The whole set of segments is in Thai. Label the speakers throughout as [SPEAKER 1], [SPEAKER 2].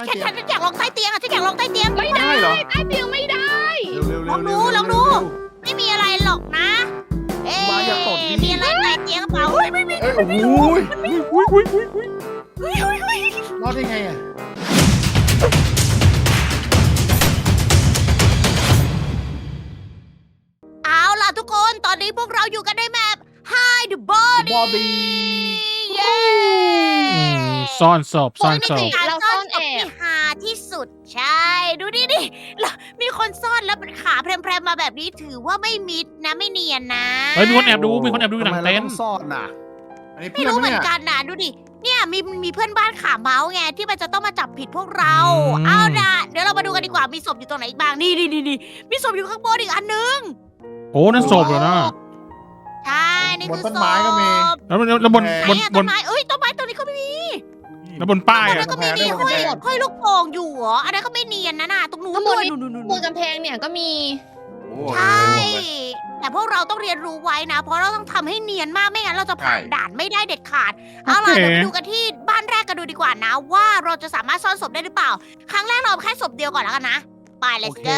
[SPEAKER 1] ฉันอยากลองใต้เตียงอะฉันอยากลองใต้เตียง
[SPEAKER 2] ไม่ได้
[SPEAKER 3] เหรอ
[SPEAKER 2] ใต้เตียงไม่ได้
[SPEAKER 3] เร็วๆ
[SPEAKER 1] ลองดูลองดู ไม่มีอะไรหรอกนะ เอ๊ะ
[SPEAKER 3] วาอย่าตดดิ
[SPEAKER 1] มีอะไรใต้เตียงกระเปล่าเฮ้ยไม่มี
[SPEAKER 3] เอ้ยโอ้โห รอดได้ไงอ่ะ
[SPEAKER 1] เอาล่ะทุกคนตอนนี้พวกเราอยู่กันในแมป Hide the Body
[SPEAKER 3] บอดี้
[SPEAKER 1] เย้
[SPEAKER 4] ซ่อนศพซ่อน
[SPEAKER 1] นี่
[SPEAKER 4] ศ
[SPEAKER 1] เป็น
[SPEAKER 4] พ
[SPEAKER 1] การ
[SPEAKER 2] เรา
[SPEAKER 1] ซ่
[SPEAKER 2] ซ่
[SPEAKER 1] อ
[SPEAKER 2] อน น
[SPEAKER 1] ศ
[SPEAKER 2] แอ
[SPEAKER 1] พที่
[SPEAKER 2] บ
[SPEAKER 1] หาที่สุดใช่ดูดิแล้วมีคนซ่อนแล้วเป็นขาแพรมๆมาแบบนี้ถือว่าไม่มิดนะไม่เนียนนะ
[SPEAKER 4] เฮ้ยมีคนแอบดูมีคนแอบดูอยู่หลั
[SPEAKER 3] ทำ
[SPEAKER 4] ง
[SPEAKER 3] ไมเรา
[SPEAKER 4] เต็น
[SPEAKER 3] ต้อ
[SPEAKER 4] ท์
[SPEAKER 3] งซ่อนน่ะ
[SPEAKER 5] อันนี้
[SPEAKER 1] ไม่
[SPEAKER 5] เพื่อน
[SPEAKER 1] รู้เหมื
[SPEAKER 5] เนี่
[SPEAKER 1] อน
[SPEAKER 5] ย
[SPEAKER 1] กันนะดูดิเนี่ยมีเพื่อนบ้านขาเมาส์ไงที่มันจะต้องมาจับผิดพวกเราเอาล่ะเดี๋ยวเรามาดูกันดีกว่ามีศพอยู่ตรงไหนอีกบ้างนี่มีศพอยู่ข้างบนอีกอันนึง
[SPEAKER 4] โอ้นั่นศพเหรอนะ
[SPEAKER 1] ใช่นี่
[SPEAKER 5] บน
[SPEAKER 1] คือ
[SPEAKER 5] ต้น
[SPEAKER 1] ศ
[SPEAKER 5] ไม้ก็มี
[SPEAKER 1] พ
[SPEAKER 4] แล้วบน
[SPEAKER 1] ไหน
[SPEAKER 4] บน
[SPEAKER 1] อะ
[SPEAKER 4] บ
[SPEAKER 1] ต้
[SPEAKER 4] น
[SPEAKER 1] นไม้เอ้ยต้นไม้ตัวนี้ก็ไม่มี
[SPEAKER 4] แล้วบนป้าย
[SPEAKER 1] ตรง
[SPEAKER 4] อ่ะ
[SPEAKER 1] นั้นก็มีห้อยลูกโป่งอยู่เหรออันนั้นก็ไม่เนียนนะน่ะตรงนู้น
[SPEAKER 2] ข้างบ
[SPEAKER 1] ด้วย
[SPEAKER 2] น
[SPEAKER 1] นู่น
[SPEAKER 2] บนกำแพงเนี่ยก็มี
[SPEAKER 5] โอ้
[SPEAKER 1] ใช่ แต่พวกเราต้องเรียนรู้ไว้นะ เพราะเราต้องทำให้เนียนมากไม่งั้นเราจะผ่านด่านไม่ได้เด็ดขาด เอาล่ะเดี๋ยวไปดูกันที่บ้านแรกกันดูดีกว่านะ ว่าเราจะสามารถซ่อนศพได้หรือเปล่า ครั้งแรกเราเอาแค่ศพเดียวก่อนแล้วกันนะไป let's
[SPEAKER 3] โอเค
[SPEAKER 1] go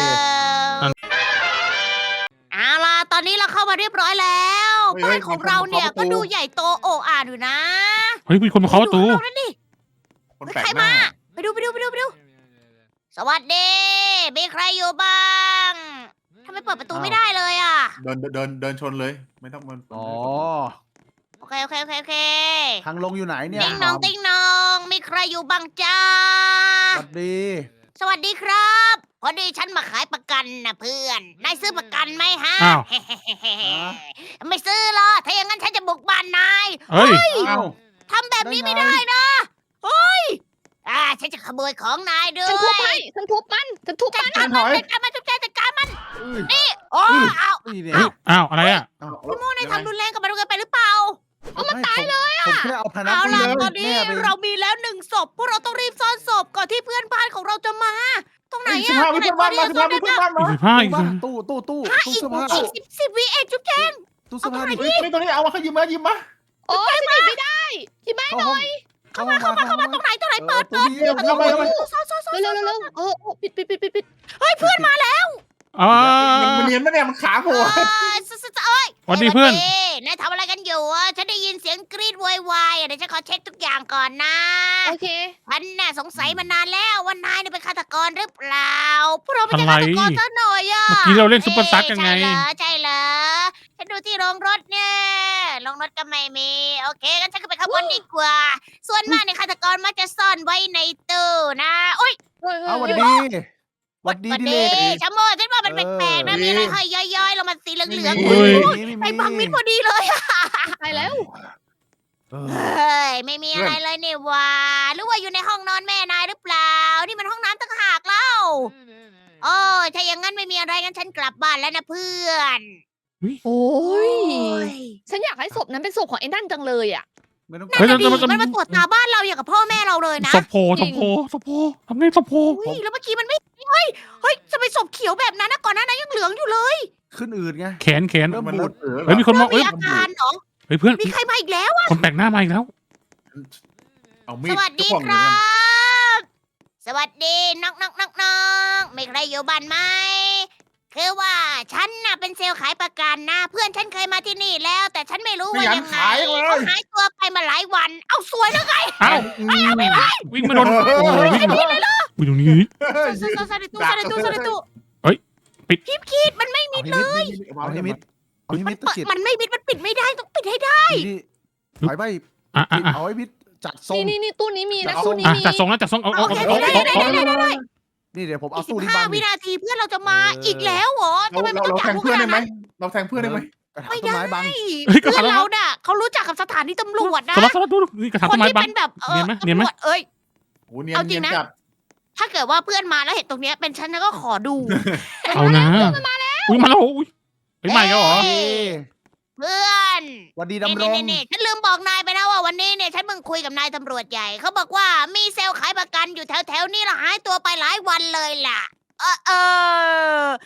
[SPEAKER 1] เอาล่ะตอนนี้เราเข้ามาเรียบร้อยแล้วบ้านของเราเนี่ยก็ดูใหญ่โตโอ่อ่านอยู่นะ
[SPEAKER 4] เฮ้ยมีคนมาเคาะประตู
[SPEAKER 1] ดูข้างนอกนั่นดิ
[SPEAKER 5] คน
[SPEAKER 1] เฮ้ย
[SPEAKER 5] แปลก
[SPEAKER 1] ใคร
[SPEAKER 5] หน้า
[SPEAKER 1] มาไปดูสวัสดีมีใครอยู่บ้างทำไมเปิดประตูไม่ได้เลยอ่ะ
[SPEAKER 5] เดินชนเลย ไม่ต้องมัน
[SPEAKER 3] อ๋อ
[SPEAKER 1] โอเค
[SPEAKER 3] ทางลงอยู่ไหนเนี่ย
[SPEAKER 1] ติ๊งน้องติ๊งน้อง มีใครอยู่บ้างจ้า
[SPEAKER 3] สวัสดี
[SPEAKER 1] สวัสดีครับพอดีฉันมาขายประกันนะเพื่อน นายซื้อประกันไหมฮะ
[SPEAKER 4] อ้าว
[SPEAKER 1] ไม่ซื้อหรอกถ้าอย่างนั้นฉันจะบุกบ้านนาย
[SPEAKER 4] เฮ้ย
[SPEAKER 3] เอ้า
[SPEAKER 1] ทำแบบนี้
[SPEAKER 3] ได้
[SPEAKER 1] ไม่
[SPEAKER 3] ไง
[SPEAKER 1] ได้นะเฮ้ยฉันจะขโมยของนายด้
[SPEAKER 2] ฉัน
[SPEAKER 1] ว
[SPEAKER 2] ทุบ
[SPEAKER 1] ย
[SPEAKER 2] ให้ฉันทุบมันฉันทุบ
[SPEAKER 1] จั
[SPEAKER 2] มั
[SPEAKER 1] ด
[SPEAKER 2] น
[SPEAKER 1] การมันจัดการมันจัดการมัน
[SPEAKER 3] อุ้ย
[SPEAKER 1] นี่โอ้เอา
[SPEAKER 3] นี่เนี่ย
[SPEAKER 4] เฮ้ยอ้าวอะไรอ่ะ
[SPEAKER 3] เอ้า
[SPEAKER 1] พี่โม่นายทำรุนแรงกับมันเกินไปหรือเปล่า
[SPEAKER 3] เอามันตายเลยผมแค่เอาพนัก
[SPEAKER 1] เอาล่ะ
[SPEAKER 3] เลย
[SPEAKER 1] ตอนนี้
[SPEAKER 3] แม่ไป
[SPEAKER 1] เรามีแล้วหนึ่งศพพวกเราต้องรีบซ่อนศพก่อนที่เพื่อนบ้านของเราจะมา ตรงไหน
[SPEAKER 5] สิบ
[SPEAKER 1] อะ
[SPEAKER 5] ห้าวิเพื่อนบ้านมา15วิเพื่อนบ้านมา
[SPEAKER 4] อีกผ้าอีก
[SPEAKER 3] บ้านตู้เสื้อผ้า
[SPEAKER 1] อีกสิบวิเองจุ๊บแจง
[SPEAKER 3] ตู้เสื้อผ้าดิ
[SPEAKER 5] เฮ้ยตรงนี้เอามาเขายิ้มมา
[SPEAKER 2] โอ้ยฉันหยิบไม่ได้ที่บ้าน
[SPEAKER 3] เข้าห้องเข้ามา
[SPEAKER 1] ตรงไหนเปิด
[SPEAKER 3] ตู้นี้
[SPEAKER 5] เดี๋ยวเข้าไปเข้าไป
[SPEAKER 1] ซ่อน
[SPEAKER 2] เร็วโอ้ปิด
[SPEAKER 1] เฮ้ยเพื่อนมาแล้ว
[SPEAKER 4] อ่า
[SPEAKER 5] มันเนียนไหมเนี่ยมันขาโผล่
[SPEAKER 4] สวัสดีเพื่อน
[SPEAKER 1] นายทำอะไรกันอยู่อะฉันได้ยินเสียงกรีดโวยวายอะเดี๋ยวฉันขอเช็คทุกอย่างก่อนนะ
[SPEAKER 2] โอเค
[SPEAKER 1] ฉันน่ะสงสัยมานานแล้วว่านายเนี่ยเป็นฆาตกรหรือเปล่าพวกเราไม่ใช่ฆาตกรซะหน่อยอะ
[SPEAKER 4] เมื่อกี้เราเล่นซุปเปอร์ซักกันไง
[SPEAKER 1] ใช่เหรอฉันดูที่โรงรถเนี่ยโรงรถก็ไม่มีโอเคงั้นฉันก็ไปข้างบนดีกว่า ส่วนมากเนี่ยฆาตกรมักจะซ่อนไว้ในตู้นะโอ๊ย
[SPEAKER 3] เอาหวัดดีหวัดดี
[SPEAKER 1] วัน
[SPEAKER 3] ดิเล
[SPEAKER 1] นี้
[SPEAKER 3] ก
[SPEAKER 1] ชะโมฉันว่ามันแปลกๆนะมีอะไรห้อยย้อยๆลงมาสีเหลืองๆ
[SPEAKER 4] เฮ้ย
[SPEAKER 1] ไอ้บังมิดพอดีเลยอะ
[SPEAKER 2] ไปแล้ว
[SPEAKER 3] เออ
[SPEAKER 1] เฮ้ยไม่มีอะไรเลยนี่หว่าหรือว่าอยู่ในห้องนอนแม่นายหรือเปล่า นี่มันห้องน้ำต่างหากเล่าโอ้ยถ้าอย่างนั้นไม่มีอะไรงั้นฉันกลับบ้านแล้วนะเพื่อน
[SPEAKER 2] โอ้ย
[SPEAKER 1] ย
[SPEAKER 2] ฉันอยากให้ศพนั้นเป็นศพของไอ้นั่นจังเลยอ่ะ
[SPEAKER 3] ไม่ต้อง
[SPEAKER 1] นั่นน่ะดิ
[SPEAKER 4] เฮ้ย
[SPEAKER 1] มันมาตรวจตาบ้านเราอย่างกับพ่อแม่เราเลยนะ
[SPEAKER 4] ศพโพทำไงศพโพ
[SPEAKER 1] อุ้ยแล้วเมื่อกี้มันไม่เฮ้ยจะไปศพเขียวแบบนั้นนะก่อนหน้านั้นยังเหลืองอยู่เลย
[SPEAKER 3] ขึ้นอืดไง
[SPEAKER 4] แขน
[SPEAKER 3] เริ่ม
[SPEAKER 5] มัน
[SPEAKER 3] บูด
[SPEAKER 4] เฮ้ยมีคนมอง
[SPEAKER 1] เริ่
[SPEAKER 4] เอ้ย
[SPEAKER 1] มีอาการเหรอ
[SPEAKER 4] เฮ้ยเพื่อน
[SPEAKER 1] มีใครมาอีกแล้วอะ
[SPEAKER 4] คนแปลกหน้ามาอีกแล้ว
[SPEAKER 5] เอามี
[SPEAKER 1] ส
[SPEAKER 5] ด
[SPEAKER 1] วัสดี
[SPEAKER 5] จ้วง
[SPEAKER 1] ค
[SPEAKER 5] เลย
[SPEAKER 1] รั
[SPEAKER 5] นะ
[SPEAKER 1] บ สวัสดีน้องไม่ใครอยู่บ้านไหมคือว่าฉันน่ะเป็นเซลล์ขายประกันนะ เพื่อนฉันเคยมาที่นี่แล้ว แต่ฉันไม่รู้ว่ายังไงเขาหายตัวไปมาหลายวัน เอาสวยแล้วไง
[SPEAKER 4] เอ้าวิ่งมาโดนโอ้โหวิ่งวิ่งตรงนี้
[SPEAKER 5] เฮ้ย
[SPEAKER 1] ซาดิตู
[SPEAKER 4] เฮ้ยปิด
[SPEAKER 1] คีดมันไม่มิด
[SPEAKER 3] เอาให้มิดเอาให้มิดตะกิด
[SPEAKER 1] มันไม่มิดมันปิดไม่ได้ต้องปิดให้ได้
[SPEAKER 3] นี่ถอยไป
[SPEAKER 4] อ่ะ
[SPEAKER 3] เอาให้มิดจัดทรง
[SPEAKER 2] นี่ตู้นี้มีนะ
[SPEAKER 3] เอา
[SPEAKER 2] ตู้นี้
[SPEAKER 4] อ่ะ
[SPEAKER 2] มี
[SPEAKER 4] จัดทรงแล้วจัดทรงเอา
[SPEAKER 1] โอเคได้
[SPEAKER 3] นี่เดี๋ยวผมเอา
[SPEAKER 1] สิ
[SPEAKER 3] ตู้
[SPEAKER 1] บ
[SPEAKER 3] ที่
[SPEAKER 1] ห้า
[SPEAKER 3] บ้าน
[SPEAKER 1] วินาทีเพื่อนเราจะมาอีกแล้วเหรอทำไมมัน
[SPEAKER 5] เรา
[SPEAKER 1] ต้อง
[SPEAKER 5] แท
[SPEAKER 1] จับ
[SPEAKER 5] ง
[SPEAKER 1] พวก
[SPEAKER 5] เพื่อน
[SPEAKER 1] ข
[SPEAKER 5] ได้ไหม
[SPEAKER 1] นาดนั้น
[SPEAKER 5] เราแทงเพื่อนได้ไหม
[SPEAKER 3] กระถางต้นไม้บัง
[SPEAKER 4] เฮ้ยกระ
[SPEAKER 1] เพื่
[SPEAKER 4] ถา
[SPEAKER 1] อง น
[SPEAKER 4] ต้นไม้
[SPEAKER 1] เราน่ะเขารู้จักกับสถานีตำรวจนะ
[SPEAKER 4] สลับดูนี่กระถาง
[SPEAKER 1] ค
[SPEAKER 4] ต้
[SPEAKER 1] น
[SPEAKER 4] นไม้
[SPEAKER 1] ที่
[SPEAKER 4] บัง
[SPEAKER 1] เป็นแบบ
[SPEAKER 4] เนียนไหมเนียนไหม
[SPEAKER 1] ตำรวจเอ้ย
[SPEAKER 5] โอ้เนียน
[SPEAKER 1] เอาจริ
[SPEAKER 5] เนีย
[SPEAKER 1] ง
[SPEAKER 5] น
[SPEAKER 1] นะ
[SPEAKER 5] จัด
[SPEAKER 1] ถ้าเกิดว่าเพื่อนมาแล้วเห็นตรงเนี้ยเป็นฉันก็ขอดู
[SPEAKER 4] เอานะอุ้ยมาแล้วอุ้ยไปใหม่แล้วเหรอ
[SPEAKER 1] เพื่อน
[SPEAKER 3] หวัดดี
[SPEAKER 1] นี่
[SPEAKER 3] ดำรง
[SPEAKER 1] นี่ฉันลืมบอกนายไปนะว่าวันนี้เนี่ยฉันเพิ่งคุยกับนายตำรวจใหญ่เขาบอกว่ามีเซลล์ขายประกันอยู่แถวๆนี้และหายตัวไปหลายวันเลยล่ะ เออ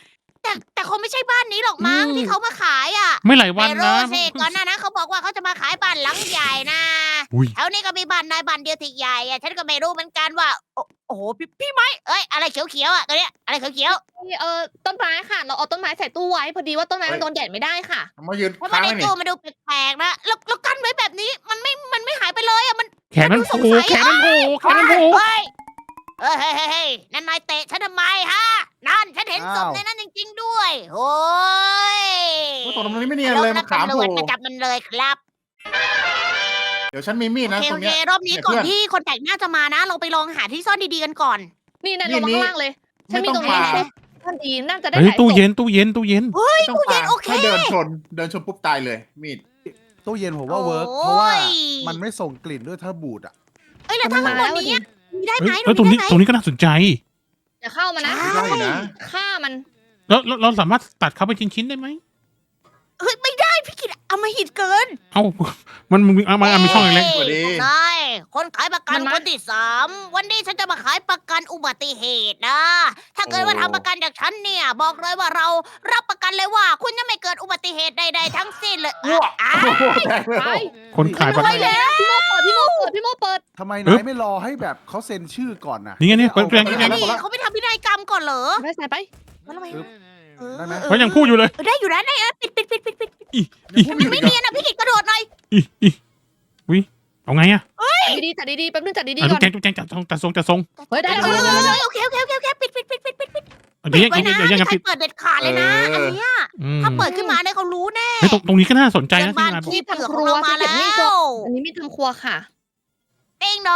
[SPEAKER 1] แต่คงไม่ใช่บ้านนี้หรอกมั้งที่เขามาขายอ่ะ
[SPEAKER 4] ไม่หลายวัน
[SPEAKER 1] แต่โร
[SPEAKER 4] นะ
[SPEAKER 1] เซก่อนหน้านั้นเขาบอกว่าเขาจะมาขายบ้านหลังใหญ่นะ
[SPEAKER 4] อุ้ย
[SPEAKER 1] แถวนี้ก็มีบ้านนายบ้านเดียวที่ใหญ่อะฉันก็ไม่รู้เหมือนกันว่า โอ้โหพี่ไม้เอ้ยอะไรเขียวๆอ่ะตัวเนี้ยอะไรเขียว
[SPEAKER 2] ต้นไม้ค่ะ เราเอาต้นไม้ใส่ตู้ไว้พอดีว่าต้นไม้มันโดนแดดไม่ได้ค่ะ
[SPEAKER 5] มายืน
[SPEAKER 1] ๆเพราะว่า
[SPEAKER 5] ค้าง
[SPEAKER 1] ใน
[SPEAKER 5] ไว้นี่
[SPEAKER 1] ตู้มันดูแปลกๆนะแล้วกั้นไว้แบบนี้มันไม่หายไปเลยอ่ะมัน
[SPEAKER 4] แขนมันโผล่แขนมันโผล่แขนมันโผล่
[SPEAKER 1] เฮ้ยนั่นนายเตะฉันทำไมฮะนั่นฉันเห็นศพในนั้นจริงๆด้วยโอ้ย
[SPEAKER 5] โอ้ยตรงนี้ไม่เนียนเลยมันขา
[SPEAKER 1] ตำร
[SPEAKER 5] โผ
[SPEAKER 1] ว
[SPEAKER 5] ล่
[SPEAKER 1] จมาจับมันเลยครับ
[SPEAKER 5] เดี๋ยวฉันมีมีด
[SPEAKER 1] โอ
[SPEAKER 5] นะ
[SPEAKER 1] เค
[SPEAKER 5] ตร
[SPEAKER 1] โอง เค
[SPEAKER 5] เนี้ย
[SPEAKER 1] รอบนี้
[SPEAKER 5] เนี่ย
[SPEAKER 1] ก่อน
[SPEAKER 5] เพื่อน
[SPEAKER 1] ที่คนแปลกหน้าจะมานะ เราไปลองหาที่ซ่อนดีๆกันก่อน
[SPEAKER 2] นี่นั่น
[SPEAKER 5] นี่
[SPEAKER 2] ลงมาข้างล่างเลย ฉันมีตรงนี้
[SPEAKER 5] ไม่ต้อง
[SPEAKER 2] นะ
[SPEAKER 5] มา
[SPEAKER 2] ท่านดีน่าจะได้
[SPEAKER 4] เฮ้ย
[SPEAKER 2] หลายศ
[SPEAKER 4] ตู้
[SPEAKER 2] พ
[SPEAKER 4] เย็นตู้เย็นตู้เย็น
[SPEAKER 5] ไม่ต้อง
[SPEAKER 1] ตู้เย็น
[SPEAKER 5] ปา
[SPEAKER 1] โอเค
[SPEAKER 5] ให้เดินชนปุ๊บตายเลย มีด
[SPEAKER 3] ตู้เย็นผมว่าเวิร์ก
[SPEAKER 1] โอ้ย
[SPEAKER 3] เพราะว่ามันไม่ส่งกลิ่นด้วยถ้าบูดอ่ะ
[SPEAKER 1] เอ้ยแล้วถ้าข้างบนนี้อะมีได้ไหม
[SPEAKER 4] เฮ้ยแล้วตรงนี้
[SPEAKER 1] มีได้ไหม
[SPEAKER 4] ตรงนี้ก็น่าสนใจ
[SPEAKER 2] อย่าเข้ามานะ
[SPEAKER 1] ใช่
[SPEAKER 5] ได้นะ
[SPEAKER 2] ฆ่ามัน
[SPEAKER 4] แล้วเราสามารถตัดเขาเป็นชิ้นๆได้ไหม
[SPEAKER 1] เฮ้ยไม่ได้พี่กิตเอามาหิดเกิน
[SPEAKER 4] เอ้ามันมีช่องเล็ก
[SPEAKER 5] สวัสดี
[SPEAKER 1] พวกนายคนขายประกัน
[SPEAKER 2] มันมา
[SPEAKER 1] คนที่3วันนี้ฉันจะมาขายประกันอุบัติเหตุนะ ถ้าเกิดว่าทำประกันจากฉันเนี่ย บอกเลยว่าเรารับประกันเลยว่า คุณจะไม่เกิดอุบัติเหตุใดๆทั้งสิ้นเลย
[SPEAKER 5] อ้วก
[SPEAKER 1] อ่ะ
[SPEAKER 5] โอ้โหแตกเลย
[SPEAKER 2] ไป
[SPEAKER 4] ๆคนขายประกัน
[SPEAKER 1] แล้ว
[SPEAKER 2] พี่โมเปิดพี่โมเปิด
[SPEAKER 3] ทำไม
[SPEAKER 4] เอ๊ะ
[SPEAKER 3] นายไม่รอให้แบบเขาเซ็นชื่อก่อนนะ
[SPEAKER 4] นี่ไงเนี่ย
[SPEAKER 3] อา
[SPEAKER 4] เปิด
[SPEAKER 3] ไป
[SPEAKER 4] แรง
[SPEAKER 1] นี่เขาไม่ทำพินัยกรรมก่อนเหรอ
[SPEAKER 2] ไปใส่ไป
[SPEAKER 1] แล้วทำไม
[SPEAKER 3] ได้ไหม
[SPEAKER 4] เขายังพูดอยู่เลย
[SPEAKER 1] ได้อยู่นะได้นะปิด
[SPEAKER 4] อี
[SPEAKER 1] มันไม่เนียนนะพี่กิตกระโดดหน่อย
[SPEAKER 4] อีวิเอาไงอะ
[SPEAKER 2] จัดดีๆแป๊บนึงจัดดี
[SPEAKER 4] อ่ะ
[SPEAKER 2] ๆก่อน
[SPEAKER 4] จุ๊บแจงจัดทรง
[SPEAKER 2] เฮ้ยได้
[SPEAKER 1] เอ
[SPEAKER 2] แล้ว
[SPEAKER 1] อโอเคปิด
[SPEAKER 4] เดี๋ยว
[SPEAKER 1] ไว้นะ
[SPEAKER 4] ยัง
[SPEAKER 1] ไม่
[SPEAKER 4] ปิ
[SPEAKER 1] ใคร
[SPEAKER 4] ด
[SPEAKER 1] เปิดเด็ดขาดเลยนะ อันเนี้ย
[SPEAKER 4] อืม
[SPEAKER 1] ถ้าเปิดขึ้นมาเนี่ยเขารู้แน่
[SPEAKER 4] เฮ้ยตรงนี้ก็น่าสนใจ
[SPEAKER 1] เพื่อน
[SPEAKER 4] นะที่
[SPEAKER 1] บ้าน
[SPEAKER 4] นายบอก
[SPEAKER 1] ขี้เผือกของเรามาแล้ว
[SPEAKER 2] อันนี้มีทางครัวค่ะ
[SPEAKER 1] ติ้งนอง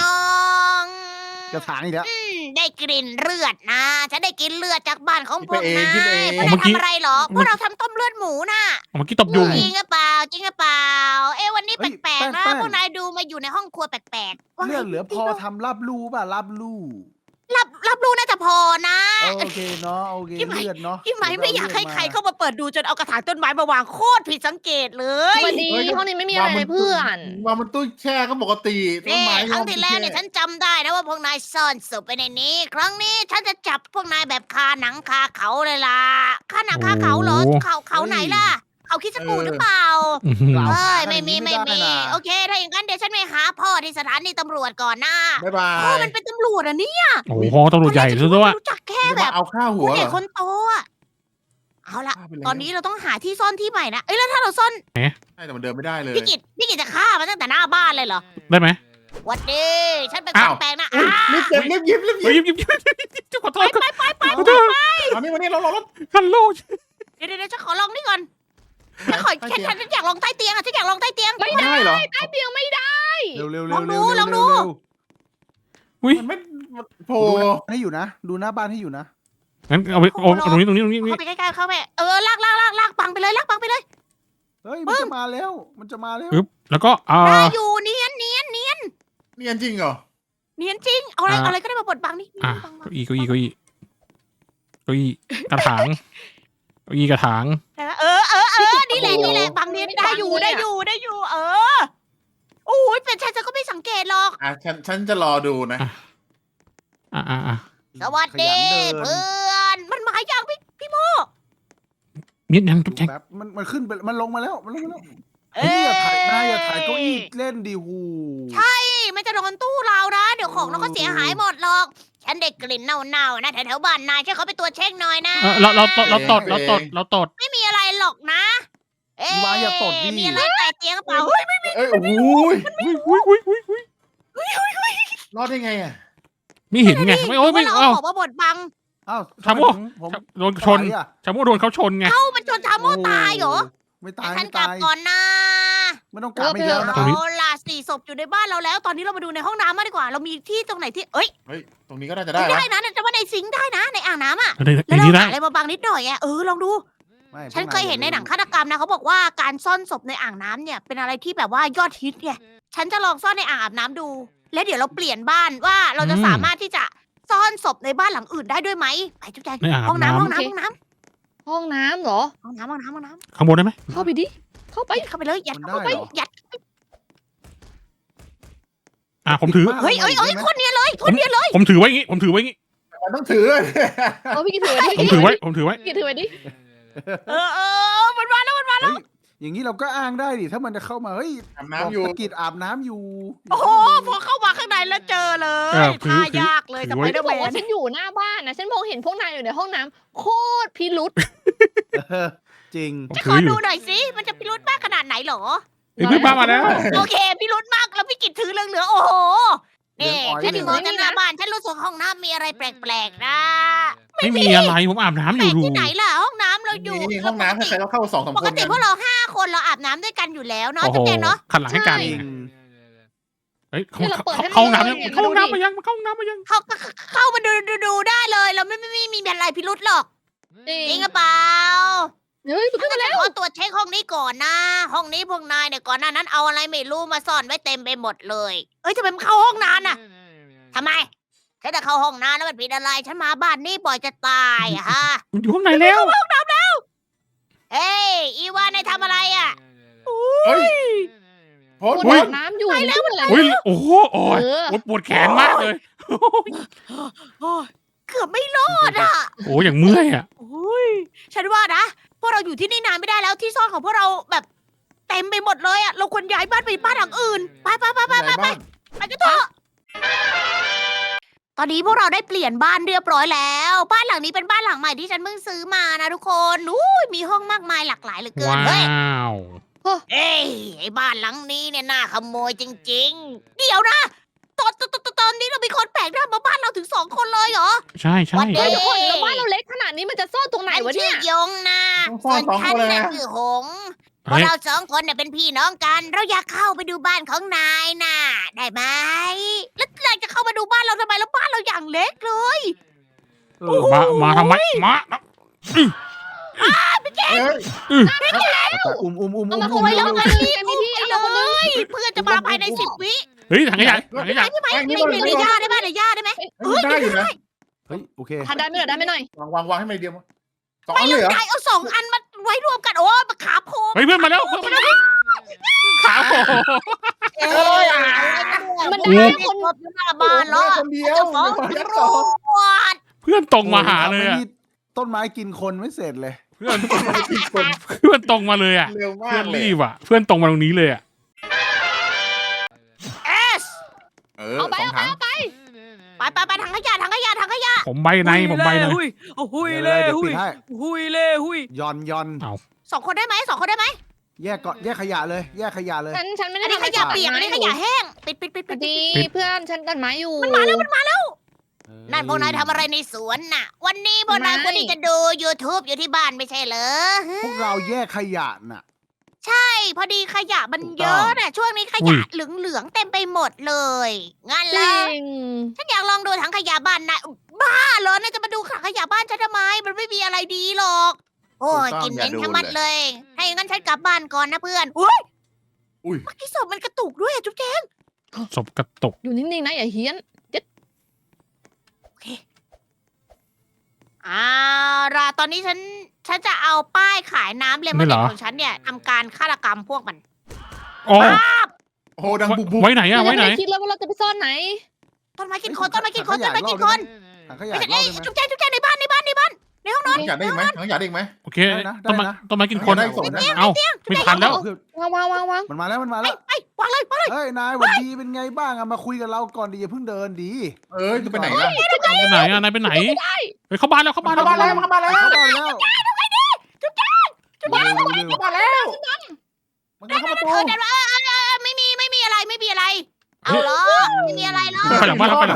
[SPEAKER 3] จะถางอีกแล้ว
[SPEAKER 1] ได้กลิ่นเลือดนะฉันได้กินเลือดจากบ้านของพวกนาย
[SPEAKER 5] คิดไปเอง
[SPEAKER 1] พวกนายทำอะไรเหรอพวกเราทำต้มเลือดหมูน่ะ
[SPEAKER 4] เมื่อกี้ตบยุง
[SPEAKER 1] จริงหรือเปล่าเอ๊ะวันนี้แปลกๆนะพวกนายดูมาอยู่ในห้องครัวแปลกๆว่าไง
[SPEAKER 3] เลือดเหลือพอทำรับรูป่ะรับรู
[SPEAKER 1] รับรู้น่าจะพอนะ
[SPEAKER 3] โอเคเนาะโอเค
[SPEAKER 1] พี่ไหม
[SPEAKER 3] เลือดเนาะ
[SPEAKER 1] พี่ไหมไม่อยากให้ใครเข้ามาเปิดดูจนเอากระถางต้นไม้มาวางโคตรผิดสังเกตเลย
[SPEAKER 2] สวัสดีห้องนี้ไม่มีอะไรเลยเพื่อน
[SPEAKER 5] วางมันตู้แช่ก็ปกติต้น
[SPEAKER 1] นี่
[SPEAKER 5] ไม้
[SPEAKER 1] ครั้งที่แล้วเนี่ยฉันจำได้นะว่าพวกนายซ่อนศพไปในนี้ ครั้งนี้ฉันจะจับพวกนายแบบคาหนังคาเขาเลยล่ะคาหนังคาเขาเหรอเขาไหนล่ะ เขาคิดสกูหรือเปล่า
[SPEAKER 4] อื้อหือ
[SPEAKER 1] เอ้ยไม่มีโอเค ถ้าอย่างนั้นเดี๋ยวฉันไปหาพ่อที่สถานีตำรวจก่อนนะ
[SPEAKER 5] บ๊ายบา
[SPEAKER 1] พ่อย มันเป็นตำรวจอ่ะนี่
[SPEAKER 4] โอ้โหตำรวจใหญ่ซะด้วย
[SPEAKER 1] รู้จักแค่
[SPEAKER 5] จะ
[SPEAKER 1] แบ
[SPEAKER 5] มา
[SPEAKER 1] บ
[SPEAKER 5] เอาข้าวหั
[SPEAKER 1] ผู้
[SPEAKER 5] วเห
[SPEAKER 1] ให
[SPEAKER 5] ร
[SPEAKER 1] ญ่
[SPEAKER 5] อ
[SPEAKER 1] คนโตอ่ะเอาละ
[SPEAKER 5] ฆ่าไปแล้ว
[SPEAKER 1] ตอนนี้เราต้องหาที่ซ่อนที่ใหม่นะเอ้ยแล้วถ้าเราซ่อน
[SPEAKER 5] ใช่แต่มันเดินไม่ได้เลย
[SPEAKER 1] พี่กิจจะฆ่ามันตั้งแต่หน้าบ้านเลยเหรอ
[SPEAKER 4] ได้ไหม
[SPEAKER 1] หวัดดีฉันเป็นค
[SPEAKER 5] อ้าน ว
[SPEAKER 1] แปลกนะ
[SPEAKER 5] รีบเก็บรีบหยิบ
[SPEAKER 4] เฮ้ยยิบขอโทษขอโทษ
[SPEAKER 5] เอานี่วันนี้เรา
[SPEAKER 4] ฮัลโหล
[SPEAKER 1] เดี๋ยวฉันขอลองนี่ก่อนฉันอยากลองใต้เตียงอ่ะฉันอยากลองใต้เตียง
[SPEAKER 2] ไม่
[SPEAKER 5] ได้เหรอ
[SPEAKER 2] ใต้เตียงไม่ได้
[SPEAKER 3] เร็วเร็ว
[SPEAKER 1] ลองดูลองดู
[SPEAKER 4] อุ้ย
[SPEAKER 5] มันไม่โผล่
[SPEAKER 3] ให้อยู่นะ ดูหน้าบ้านให้อยู่นะ
[SPEAKER 4] งั้นเอาไปเอาตรงนี้
[SPEAKER 1] เข้าไปใกล้ๆเข้าไปลากปังไปเลยลากปังไปเลย
[SPEAKER 3] เฮ้ยมันจะมาแล้วมันจะมาแล้ว
[SPEAKER 4] ปึ๊บแล้วก็
[SPEAKER 1] ได้อยู่เนียน
[SPEAKER 5] เนียนจริงเหรอ
[SPEAKER 1] จริงเอาอะไรก็ได้มาบดบังนี่
[SPEAKER 4] เก้าอี้กระถางเก้าอี้กระถาง
[SPEAKER 1] นี่แหละบังเนียนได้อยู่โอ้ยเป็นฉันก็ไม่สังเกตหรอก
[SPEAKER 5] อ่ะฉันจะรอดูนะ
[SPEAKER 1] สวัสดี
[SPEAKER 3] ขยันเดิน
[SPEAKER 1] เพื่อนมันมาอย่างพี่โม
[SPEAKER 4] นิดยังจุ๊บแจง
[SPEAKER 3] แบบมันขึ้นไปมันลงมาแล้วมันลงมาแล้ว
[SPEAKER 1] เอ้
[SPEAKER 3] อย่าถ่ายเก้าอี้เล่นดิหู
[SPEAKER 1] มันจะโดนตู้เรานะ เดี๋ยวของเราก็เสียหายหมดหรอก ฉันได้กลิ่นเน่าๆนะแถวๆบ้านนายช่วยเขาไปตรวจเช็คหน่อยนะ
[SPEAKER 4] เราตด
[SPEAKER 1] ไม่มีอะไรหรอกนะ
[SPEAKER 3] วายอย่าตดดิ
[SPEAKER 1] มีอะไรใต้เตียงกระเป๋า
[SPEAKER 5] เอ้ยโอ้โห
[SPEAKER 4] อุ้ย
[SPEAKER 5] รอดได้ไงอ่ะ
[SPEAKER 4] ไม่เห็นไงไม่โอ้ยไม่
[SPEAKER 1] เรา
[SPEAKER 4] เอ้า
[SPEAKER 1] บอกว่าบดบัง
[SPEAKER 3] อ้าว
[SPEAKER 4] ชาโม่
[SPEAKER 3] ผม
[SPEAKER 4] โดนชนชาโม่โดนเขาชนไง
[SPEAKER 1] เอ้ามันจนทาโมตายเหรอ
[SPEAKER 3] ไม่ตาย
[SPEAKER 1] ฉั
[SPEAKER 3] ไม่
[SPEAKER 1] นกลั
[SPEAKER 3] ตา
[SPEAKER 1] บ
[SPEAKER 3] ย
[SPEAKER 1] ก่อนนะ
[SPEAKER 3] ไม่ต้องกลับไม่เยอะนะ
[SPEAKER 1] เอาล่ะ4 ศพอยู่ในบ้านเราแล้ว ตอนนี้เรามาดูในห้องน้ำมาดีกว่า เรามีที่ตรงไหนที่เอ้ย
[SPEAKER 5] เฮ้ยตรงนี้ก็น่าจะได้นะ
[SPEAKER 1] ได้นะแต่ว่าในซิงค์ได้นะ ในอ่างน้ำอ่ะ
[SPEAKER 4] ใน
[SPEAKER 1] แล้วเรา
[SPEAKER 4] นี้ได้
[SPEAKER 1] หาอะไรมาบังนิดหน่อยอ่ะลองดู
[SPEAKER 3] ไม่
[SPEAKER 1] ฉันเคยเห็นในหนังฆาตกรรมนะเขาบอกว่าการซ่อนศพในอ่างน้ำเนี่ยเป็นอะไรที่แบบว่ายอดฮิตไงฉันจะลองซ่อนในอ่างอาบน้ำดู แล้วเดี๋ยวเราเปลี่ยนบ้านว่าเราจะสามารถที่จะซ่อนศพในบ้านหลังอื่นได้ด้วยไหมไปจุ๊บแจง
[SPEAKER 4] ในอ่าง
[SPEAKER 1] ห้องน้ำ
[SPEAKER 4] น้ำ
[SPEAKER 1] ห้องน้ำห้องน้ำ
[SPEAKER 2] ห้องน้ำเหรอ
[SPEAKER 1] ห้องน้ำห้องน้ำห้องน้ำ
[SPEAKER 4] ข้างบนได้ไหม
[SPEAKER 2] เข้าไปดิเข้าไป
[SPEAKER 1] เข้าไปเลยยัด
[SPEAKER 3] มันได้
[SPEAKER 1] เข้าไป
[SPEAKER 3] เหรอ
[SPEAKER 1] ยัด
[SPEAKER 4] ผมถือ
[SPEAKER 1] เฮ้ยคนเนี้ยเลยคนเนี้ยเลย
[SPEAKER 4] ผมถือไว้งี้
[SPEAKER 5] มันต้องถือ
[SPEAKER 2] โอ้พี่กินถือไว้ดิ
[SPEAKER 4] ผมถือไว้ผมถือไว้
[SPEAKER 2] พี่กินถือไว้ดิ
[SPEAKER 1] มันมาแล้ว
[SPEAKER 3] เฮ้ยอย่างนี้เราก็อ้างได้ดิถ้ามันจะเข้ามาเฮ้ย
[SPEAKER 5] อาบน้ำอยู่
[SPEAKER 3] ตะกิดอาบน้ำอยู่
[SPEAKER 1] โอ้โหพอเข้ามาข้างในแล้วเจอเลยท่ายากเลยสไปเดอร์
[SPEAKER 2] บ
[SPEAKER 1] แม
[SPEAKER 2] อกว่าน ฉันอยู่หน้าบ้านนะฉันมองเห็นพวกนายอยู่ในห้องน้ำโคตรพิรุษ
[SPEAKER 3] จริง
[SPEAKER 4] ผม
[SPEAKER 1] จะข
[SPEAKER 4] ถื
[SPEAKER 1] อ
[SPEAKER 4] ออยู่
[SPEAKER 1] ดูหน่อยสิมันจะพิรุธมากขนาดไหนเหรอ
[SPEAKER 4] เฮ้ยเพื่อนบ้านมาแล้ว
[SPEAKER 1] โอเคพิรุธมากแล้วพี่กิตถือเหลืองๆโอ้โหนี่
[SPEAKER 3] เหลืองอ๋อย
[SPEAKER 1] ฉันถึงมองจากหน้าบ้านฉันรู้สึกห้องน้ำมีอะไรแปลกๆนะ
[SPEAKER 4] ไม่มีอะไรผมอาบน้ำอ
[SPEAKER 1] แปล
[SPEAKER 4] ยู่
[SPEAKER 1] ก
[SPEAKER 4] ดู
[SPEAKER 1] ที่ไหนล่ะห้องน้ำเราอยู่
[SPEAKER 5] นี่ห้องน้ำถ้าใครเราเข้า2-3
[SPEAKER 1] ป
[SPEAKER 5] ค
[SPEAKER 1] ก
[SPEAKER 5] น
[SPEAKER 1] ติ
[SPEAKER 5] กัน
[SPEAKER 1] พวกเรา5 คนเราอาบน้ำด้วยกันอยู่แล้วเนาะ
[SPEAKER 4] โอ้โห
[SPEAKER 1] จุ๊บแจงเนาะ
[SPEAKER 4] ขันหลังให้กัน
[SPEAKER 3] จริง
[SPEAKER 4] เฮ้ยเข้าห้องน้ำยังเข้าห้องน้ำมายังเข้าห้องน้ำมายัง
[SPEAKER 1] เข้ามาดูได้เลยเราไม่มีอะไรพิรุธหรอกจริงหรือเปล่า
[SPEAKER 2] เฮ้ย
[SPEAKER 1] ฉันจะขอตรวจเช็คห้องนี้ก่อนนะ ห้องนี้พวกนายเนี่ยก่อนหน้านั้นเอาอะไรไม่รู้มาซ่อนไว้เต็มไปหมดเลยเอ้ยทำไมมันเข้าห้องนานน่ะทำไมฉันจะเข้าห้องน้ำแล้วมันผิดอะไรฉันมาบ้านนี้บ่อยจะตายอะฮะ
[SPEAKER 4] มันอยู่ข้างในแล้ว
[SPEAKER 1] เอ้ยอีวานนายทำอะไรอะ
[SPEAKER 5] เฮ้ยโพส
[SPEAKER 2] ปวดน้ำอยู่แล้ว
[SPEAKER 4] อุ้ยโอ้โหโอ้ย
[SPEAKER 2] เออ
[SPEAKER 4] ปวดแขนมากเลย
[SPEAKER 1] เกือบไม่รอดอะ
[SPEAKER 4] โอ้ยอย่างเมื่อยอ่ะ
[SPEAKER 1] โอ้ยฉันว่านะพวกเราอยู่ที่นี่นานไม่ได้แล้วที่ซ่อนของพวกเราแบบเต็มไปหมดเลยอะเราควรย้ายบ้านไปบ้านหลังอื่นไปกันเถอะตอนนี้พวกเราได้เปลี่ยนบ้านเรียบร้อยแล้ว บ้านหลังนี้เป็นบ้านหลังใหม่ที่ฉันเพิ่งซื้อมานะทุกคนอุ้ยมีห้องมากมายหลากหลายเหลือเกิน
[SPEAKER 4] ว้
[SPEAKER 1] เฮ้ย
[SPEAKER 4] าว
[SPEAKER 1] เอ้ยไอ้บ้านหลังนี้เนี่ยน่าขโมยจริงๆ เดี๋ยวนะตอนนี้เรามีคนแปลกหน้ามาบ้านเราถึง2 คนเลยเหรอ
[SPEAKER 4] ใช่ใช่
[SPEAKER 1] วันเดี
[SPEAKER 2] เฮ้
[SPEAKER 1] ย
[SPEAKER 2] ยทุกคนแล้วบ้านเราเล็กขนาดนี้มันจะซ่อนตรงไหน
[SPEAKER 1] ฉัน
[SPEAKER 2] วะ
[SPEAKER 1] ชื่
[SPEAKER 2] เนี่
[SPEAKER 1] อย ยงนะ
[SPEAKER 5] ซ่
[SPEAKER 1] ส่
[SPEAKER 5] อ
[SPEAKER 1] วน น
[SPEAKER 5] 2
[SPEAKER 1] ฉั
[SPEAKER 5] คน นเลย
[SPEAKER 1] น่ะ
[SPEAKER 5] นะ
[SPEAKER 1] คือหงพว
[SPEAKER 4] เฮ้
[SPEAKER 1] ก
[SPEAKER 4] ย
[SPEAKER 1] เรา2 คนเนี่ยเป็นพี่น้องกัน เราอยากเข้าไปดูบ้านของนายน่ะ ได้ไหมแล้วนายจะเข้ามาดูบ้านเราทำไมแล้วบ้านเราอย่างเล็กเลย
[SPEAKER 4] มาทำไมมา
[SPEAKER 5] เฮ้ย
[SPEAKER 3] อุ้ม
[SPEAKER 2] เอามา
[SPEAKER 3] อุ้
[SPEAKER 2] คนไว้
[SPEAKER 3] ม
[SPEAKER 2] แล้วกันมีที่
[SPEAKER 1] ไป
[SPEAKER 2] เอา
[SPEAKER 1] เล
[SPEAKER 2] มาคนนึง
[SPEAKER 1] ยเพื่อนจะมาภายใน10 วิ
[SPEAKER 4] เฮ้ยถังขยะถังขยะ
[SPEAKER 1] ใช่ไหม
[SPEAKER 5] ไม่
[SPEAKER 1] ในย่าได้ไหมในย่าได้ไหม
[SPEAKER 5] ได้อยู่นะ
[SPEAKER 3] เฮ้ยโอเค
[SPEAKER 2] ทานได้ไม่ได้ไม่หน่อย
[SPEAKER 5] วางให้มันเดียว2
[SPEAKER 1] ไม่
[SPEAKER 5] อันเลยเหรอ
[SPEAKER 1] ได้เอา2 อันมาไว้รวมกันโอ้มาขาโพง
[SPEAKER 4] เฮ้ยเพื่อนมาแล้วเพื่อนมาแล้วขาโผล่
[SPEAKER 1] เอ้ย
[SPEAKER 2] มัน
[SPEAKER 1] ได้
[SPEAKER 2] ได้
[SPEAKER 1] คนรถอยู่หน้าบ้านแล้ว
[SPEAKER 5] คนเดียว
[SPEAKER 1] จะฟ้อง
[SPEAKER 5] ยัก
[SPEAKER 1] ตำร
[SPEAKER 5] 2
[SPEAKER 1] วจ
[SPEAKER 4] เพื่อนตรงมาหาเลยอ่ะ
[SPEAKER 3] ต้นไม้กินคนไม่เสร็จเลย
[SPEAKER 4] เพื่อน
[SPEAKER 5] คน
[SPEAKER 4] เพื่อนตรงมาเลยอ่ะ
[SPEAKER 5] เร็วมา
[SPEAKER 4] เพื่อก น
[SPEAKER 5] เลย
[SPEAKER 4] รีบอ่ะเพื่อนตรงมาตรงนี้เลยอ่ะ
[SPEAKER 1] เอส
[SPEAKER 2] เอาไป
[SPEAKER 5] 2 ถัง
[SPEAKER 2] เอาไป
[SPEAKER 1] ไปถังขยะถังขยะ
[SPEAKER 4] ผมใบในผมใบใน
[SPEAKER 1] หุย
[SPEAKER 3] เดี๋ยวปิดให้
[SPEAKER 1] หุย
[SPEAKER 3] ย่อน
[SPEAKER 1] 2 คนได้ไหม2 คนได้ไหม
[SPEAKER 3] แยกก่อนแยกขยะเลย แยกขยะเลย
[SPEAKER 2] ฉันไม่ได้
[SPEAKER 1] อันนี้ขยะเปียกอันนี้ขยะแห้งปิด
[SPEAKER 2] พอดีเพื่อนฉันตัดไม้อยู่
[SPEAKER 1] มันมาแล้วนั่นพวกนายทำอะไรในสวนน่ะ วันนี้พวกนายควรที่จะดู YouTube อยู่ที่บ้านไม่ใช่เหรอ
[SPEAKER 3] พวกเราแยกขยะน่ะ
[SPEAKER 1] ใช่พอดีขยะมันเยอะน่ะช่วงนี้ข
[SPEAKER 4] อุ้
[SPEAKER 1] ยะ
[SPEAKER 4] ย
[SPEAKER 1] เหลืองๆเต็มไปหมดเลยงั้น
[SPEAKER 2] จ
[SPEAKER 1] แล้
[SPEAKER 2] ริ
[SPEAKER 1] ว
[SPEAKER 2] ง
[SPEAKER 1] ฉันอยากลองดูถังขยะบ้านนายบ้าเหรอนายจะมาดูถังขยะบ้านฉันทำไม มันไม่มีอะไรดีหรอก โอ้ยกลินเหม็นทั้งมัดเลย ให้งั้นฉันกลับบ้านก่อนนะเพื่อนอุ้ย
[SPEAKER 5] อุ้ย
[SPEAKER 1] เมื่อกี้ศพมันกระตุกด้วยอะจุ๊บแจ๊ง
[SPEAKER 4] ศพกระตก
[SPEAKER 2] อยู่นิ่งๆนะอย่าเฮี้ยน
[SPEAKER 1] ล่ะตอนนี้ฉันจะเอาป้ายขายน้ำเลมอนเนดของฉันเนี่ยทำการฆาตกรรมพวกมัน
[SPEAKER 4] อ๋อ
[SPEAKER 5] โอ้โหดังบุบ
[SPEAKER 4] ไว้ไหนอ่ะไว้ไหน
[SPEAKER 2] คิดแล้วว่าเราจะไปซ่อนไหน
[SPEAKER 1] ต้นไม้กินคนต้นไม้กินคน
[SPEAKER 3] ถั
[SPEAKER 1] ต้น
[SPEAKER 3] งขยะ
[SPEAKER 1] ไม้กินคน
[SPEAKER 3] ถังขยะ
[SPEAKER 1] ไม่ใช่
[SPEAKER 3] รอ
[SPEAKER 1] เอ้
[SPEAKER 3] บ
[SPEAKER 1] ย
[SPEAKER 3] ได้ไหม
[SPEAKER 1] จุ๊บแจ๊งในบ้านในห้องนอน
[SPEAKER 5] ๆอยากได้อีกไหมอยากได้อีกไหม
[SPEAKER 4] โอเค
[SPEAKER 3] ได้นะ
[SPEAKER 4] ต้นไม้
[SPEAKER 3] ได้นะ
[SPEAKER 4] ต้นไม้กินคน
[SPEAKER 5] ได้ส่งได้
[SPEAKER 4] เอ้าไม่ทันแล้ว
[SPEAKER 2] วาง
[SPEAKER 3] มันมาแล้ว
[SPEAKER 1] ไปวางเลย
[SPEAKER 3] เฮ้ยนายหวันดีเป็นไงบ้างอะมาคุยกับเราก่อนดีอย่าเพิ่งเดินดี
[SPEAKER 5] จะไปไหนล่ะ
[SPEAKER 4] ไปไหนอ่ะนายไปไหนเฮ้ยเข้าบ้านแล้วเข้าบ้านแล้ว
[SPEAKER 5] เข้าบ้านแล้วเข้าบ้านแล้ว
[SPEAKER 3] เข้าบ้านแล้วจุ๊บจ้า
[SPEAKER 5] เข้าบ้านแล้วมันเข้าประตู
[SPEAKER 1] เดินมาไม่มีอะไรเอาเหรอไม่มีอะไรหรอก
[SPEAKER 4] ไปหลังบ้านแล้วไปหลัง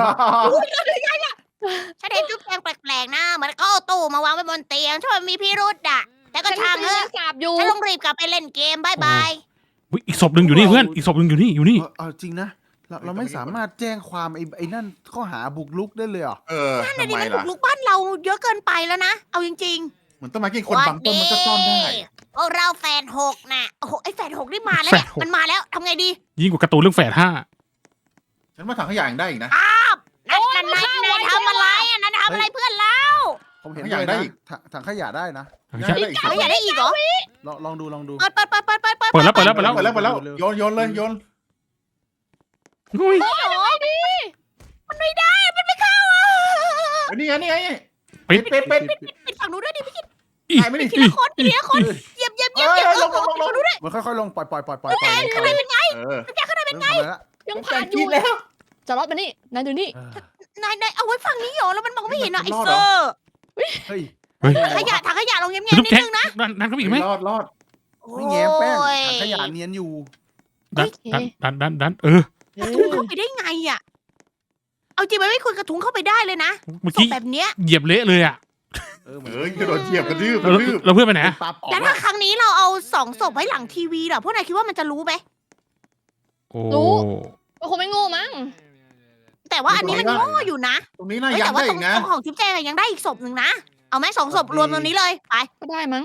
[SPEAKER 1] ฉันเห็นจุ๊บแจงแปลกๆนะเหมือนเขาเอาตู้มาวางไว้บนเตียงช่วยมันมีพิรุษอะแต่ก็ช่างเถอะ
[SPEAKER 2] สาบอยู่
[SPEAKER 1] ฉันต้องรีบกลับไปเล่นเกมบายบาย
[SPEAKER 4] อุ๊ยอีกศพหนึ่งอยู่นี่เพื่อนอีกศพหนึ่งอยู่นี่อยู่นี่
[SPEAKER 3] จริงนะเราไม่สามารถแจ้งความไอ้นั่นข้อหาบุกรุกได้เลยเหรอ
[SPEAKER 1] นั่น
[SPEAKER 5] ทำ
[SPEAKER 1] น่ะดิ
[SPEAKER 5] ไม
[SPEAKER 1] มันบุ
[SPEAKER 5] ล่ะ
[SPEAKER 1] กรุกบ้านเราเยอะเกินไปแล้วนะเอาจริง
[SPEAKER 5] เหมือนต้นไม้กิน
[SPEAKER 1] ๆ
[SPEAKER 5] คนบางต้นมันก็ซ่อนได้
[SPEAKER 1] พวกเราแฟน6น่ะโอ้โหไอ้แฟน6นี่มาแล้ว
[SPEAKER 4] แฝ
[SPEAKER 1] เนี่
[SPEAKER 4] ด
[SPEAKER 1] ย
[SPEAKER 4] หก
[SPEAKER 1] มันมาแล้วทำไงดี
[SPEAKER 4] ยิ่งกว่าการ์ตูนเรื่องแฝดห้า
[SPEAKER 5] ฉันว่าถังขยะยังได้อีกนะ
[SPEAKER 1] นั่นนายทำอะไรอ่ะนายทำอะไรเพื่อนเรา
[SPEAKER 3] ผมเห็น
[SPEAKER 5] ถังขยะ
[SPEAKER 3] เลย
[SPEAKER 5] ได้
[SPEAKER 3] นะ
[SPEAKER 5] อีก
[SPEAKER 3] ถังขยะได้นะ
[SPEAKER 5] ได้อีก
[SPEAKER 1] เขาอยากได้อีกเหรอ
[SPEAKER 3] ลองดู
[SPEAKER 1] เปิด
[SPEAKER 4] เปิดแล้ว
[SPEAKER 5] เปิดแล้วโยนเลยโยน
[SPEAKER 4] อุ้ย
[SPEAKER 1] มันไม่ได้มันไม่เข้าอ่ะ
[SPEAKER 5] นี่ไงนี่ไง
[SPEAKER 4] ปิด
[SPEAKER 5] เป็ด
[SPEAKER 1] ปิดฝั่งนู้นด้วยดิพี่กิต
[SPEAKER 5] ไหนไม่ได้
[SPEAKER 1] ทีละคนทีละคนเหยียบ
[SPEAKER 5] ลง
[SPEAKER 3] มันค่อยๆลงปล่อย
[SPEAKER 1] ข้างในเป็นไง
[SPEAKER 3] ข้างในเป็นไง
[SPEAKER 2] ยังผ่านอยู่
[SPEAKER 5] แล้ว
[SPEAKER 2] จะรอดมานี่นายดูนี่
[SPEAKER 1] นายเอาไว้ฝั่งนี้เหรอแล้วมันมองไม่เห็นอ่ะไอ้
[SPEAKER 5] รอด
[SPEAKER 1] เซ
[SPEAKER 5] เหร
[SPEAKER 1] อ
[SPEAKER 5] อ
[SPEAKER 1] ร์
[SPEAKER 3] เฮ้ย
[SPEAKER 1] ถังขยะลงเงียบๆ
[SPEAKER 4] จุ๊บ
[SPEAKER 1] นิด
[SPEAKER 4] แจ๊ก
[SPEAKER 1] นึงนะ
[SPEAKER 4] ดันเข้าไปอีกไหม
[SPEAKER 5] รอด
[SPEAKER 3] ไม่แง้มแป้งถังขยะเนียนอยู่
[SPEAKER 4] ดันเออก
[SPEAKER 1] ระทุ้งเข้าไปได้ไงอ่ะเอาจริงมันไม่ควรกระทุ้งเข้าไปได้เลยนะ
[SPEAKER 4] เมื่อ
[SPEAKER 1] ศพ
[SPEAKER 4] กี้
[SPEAKER 1] แบบเนี้ย
[SPEAKER 4] เหยียบเละเลยอ่ะ
[SPEAKER 5] กระโดดเหยียบกระดื้อ
[SPEAKER 4] เราเพื่อนไปไหน
[SPEAKER 3] ปลาปอก
[SPEAKER 1] แล้วถ้าครั้งนี้เราเอา2 ศพไว้หลังทีวีเหรอพวกนายคิดว่ามันจะรู้ไหม
[SPEAKER 4] โอ้
[SPEAKER 2] มันคงไม่โง่มั้ง
[SPEAKER 1] แต่ว่าอันนี้มันโง่อยู่นะ
[SPEAKER 5] ตรงนี้น่า
[SPEAKER 1] เฮ้ย
[SPEAKER 5] ยั
[SPEAKER 1] แต่
[SPEAKER 5] ง
[SPEAKER 1] ว่า
[SPEAKER 5] ได้
[SPEAKER 1] ตร
[SPEAKER 5] อี
[SPEAKER 1] ง
[SPEAKER 5] กนะ
[SPEAKER 1] ของทิปแจงอะยังได้อีกศพหนึ่งนะเอาไหม2 ศพรวมตรงนี้เลยไป
[SPEAKER 2] ก็ได้มั้ง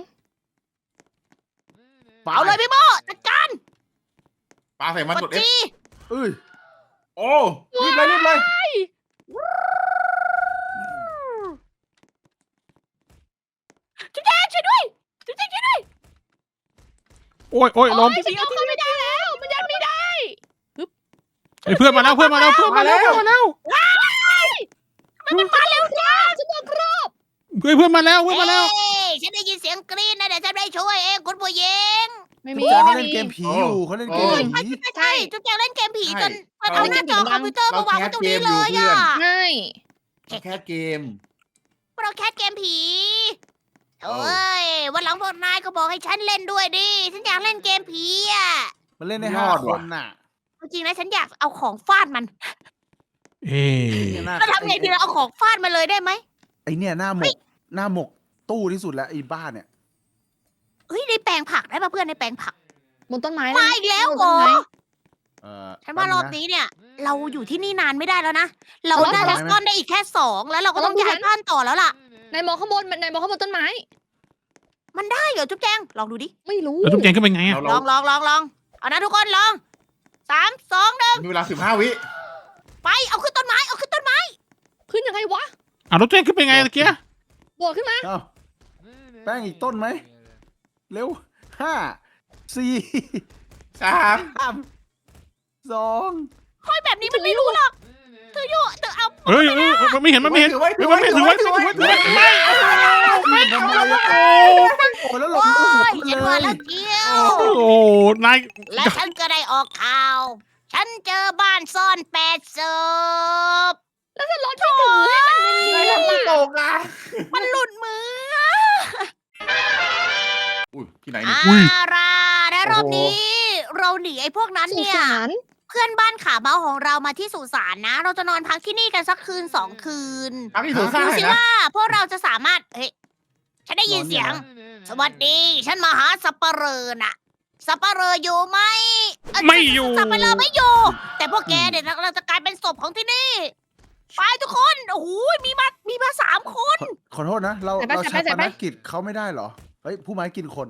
[SPEAKER 1] เอาเลยพี่โมจัดการ
[SPEAKER 5] ปลาใส่มัน
[SPEAKER 1] ก
[SPEAKER 5] ก
[SPEAKER 1] ด
[SPEAKER 5] ด F
[SPEAKER 1] จี
[SPEAKER 3] เอ้ย
[SPEAKER 5] โอ้รีบเลย
[SPEAKER 1] จุ๊บแจงช่วยด้วยจุ๊บแจงช่วยด้วย
[SPEAKER 4] โอ้ยลม
[SPEAKER 2] ฉันเอาเข้าไม่ได้แล้วมันยันไม่ได้
[SPEAKER 4] เพื่อนมาแล้ว
[SPEAKER 1] มันมาเร็วจ้า
[SPEAKER 2] ฉันโดนกรอบ
[SPEAKER 4] เพื่อนมาแล้ว
[SPEAKER 1] เอ้ยฉันได้ยินเสียงกรี๊ดนะเดี๋ยวฉันไปช่วยเองคุณผู้หญิง
[SPEAKER 2] ไม่มี
[SPEAKER 3] แจ๊เขา
[SPEAKER 2] ไม่
[SPEAKER 3] เล่น
[SPEAKER 2] มี
[SPEAKER 3] เกมผีอยู่เขาเล่นเกมผี
[SPEAKER 1] ใช่จุ๊บแจงเล่นเกมผีจนเอาหน้าจอคอมพิวเตอร์มาวางไว้ตรงนี้เลยอ่ะ
[SPEAKER 2] ง่าย
[SPEAKER 5] แค่เกม
[SPEAKER 1] เราแคสเกมผีเอ้ยวันหลังพวกนายก็บอกให้ฉันเล่นด้วยดิฉันอยากเล่นเกมผีอ่ะ
[SPEAKER 3] มันเล่นได้
[SPEAKER 5] รอด
[SPEAKER 3] 5 ค
[SPEAKER 5] ว่ะ
[SPEAKER 3] นน่ะ
[SPEAKER 1] จริงๆนะฉันอยากเอาของฟาดมัน
[SPEAKER 4] เอ๊
[SPEAKER 1] เราทำไงดีเราเอาของฟาดมาเลยได้ไหม
[SPEAKER 3] ไอเนี่ยหน้าหมกตู้ที่สุดแล้วไอ้บ้านเนี่ย
[SPEAKER 1] เฮ้ยในแปลงผักได้ป่ะเพื่อนในแปลงผัก
[SPEAKER 2] บนต้นไม้
[SPEAKER 1] มาอีกแล้วเหรอ ฉันว่ารอบ
[SPEAKER 3] แป๊บงะ
[SPEAKER 1] นี้เนี่ย เราอยู่ที่นี่นานไม่ได้แล้วนะ เราน่าจะซ่อนได้อีกแค่2แล้วเราก็ต้องย้ายบ้านต่อแล้วล่ะ
[SPEAKER 2] นายมองข้างบนนายมองข้างบนต้นไม้
[SPEAKER 1] มันได้เหรอจุ๊บแจงลองดูดิ
[SPEAKER 2] ไม่รู้
[SPEAKER 4] แล้วจุ๊บแจงก็เป็นไงอ่ะ
[SPEAKER 1] ลองเอานะทุกคนลอง3 2 1
[SPEAKER 5] มีเวลา15 วิ
[SPEAKER 1] ไปเอาขึ้นต้นไม้เอาขึ้นต้นไม้
[SPEAKER 2] ขึ้นยังไงวะ
[SPEAKER 4] รถแจงขึ้นเป็นไงตะเกีย
[SPEAKER 2] โดดขึ้นมา
[SPEAKER 3] เอ้าแป้งอีกต้นไหมเร็ว5 4
[SPEAKER 5] 3
[SPEAKER 3] 2
[SPEAKER 1] ค่อยแบบนี้มันไม่รู้หรอกเธออยู่เธอเอา
[SPEAKER 4] เอ้ยมันไม่เห็นมันไม่เห็น
[SPEAKER 5] ถือไว้
[SPEAKER 4] ถือไว้ถือไว้ถือไว้ถือไว้ไม่
[SPEAKER 3] โอ้แล้วหล
[SPEAKER 1] โอ้
[SPEAKER 3] บหัวย
[SPEAKER 1] ฉัน
[SPEAKER 3] เล
[SPEAKER 1] ว่าย แล้วเกี้ยว
[SPEAKER 4] โอ้นาย
[SPEAKER 1] และฉันก็ได้ออกข่าว ฉันเจอบ้านซ่อน8 ศพ
[SPEAKER 2] แล้วจะรถที่ถือให้มันเนียนๆ
[SPEAKER 5] ไม่
[SPEAKER 2] ล่ะ
[SPEAKER 5] ตกอ่ะ
[SPEAKER 1] มันหลุดมือ
[SPEAKER 5] อุ้ยที่ไหนนี่
[SPEAKER 1] ล่ะและรอบนี้ เราหนีไอ้พวกนั้น
[SPEAKER 2] สุ
[SPEAKER 1] เนี่ย
[SPEAKER 2] สาน
[SPEAKER 1] เพื่อนบ้านขาเมาของเรามาที่สุสานนะ เราจะนอนพักที่นี่กันสักคืน2 คืน
[SPEAKER 5] พักที่ถูกฆ่า
[SPEAKER 1] ดู
[SPEAKER 5] ให้
[SPEAKER 1] สิ
[SPEAKER 5] นะ
[SPEAKER 1] ว่าพวกเราจะสามารถเฮ้ยฉันได้ยินเสียง สวัสดี ฉันมาหาสับปะเหร่อน่ะ สับปะเหร่ออยู่ไหมเ
[SPEAKER 4] ไม่อยู่
[SPEAKER 1] สับปะเหร่อไม่อยู่ แต่พวกแกเนี่ยเราจะกลายเป็นศพของที่นี่ ไปทุกคน โอ้โหมีมา3 คน
[SPEAKER 3] ขอโทษนะ เราใช้ปนกิจเขาไม่ได้เหรอ เฮ้ยผู้ไม้กินคน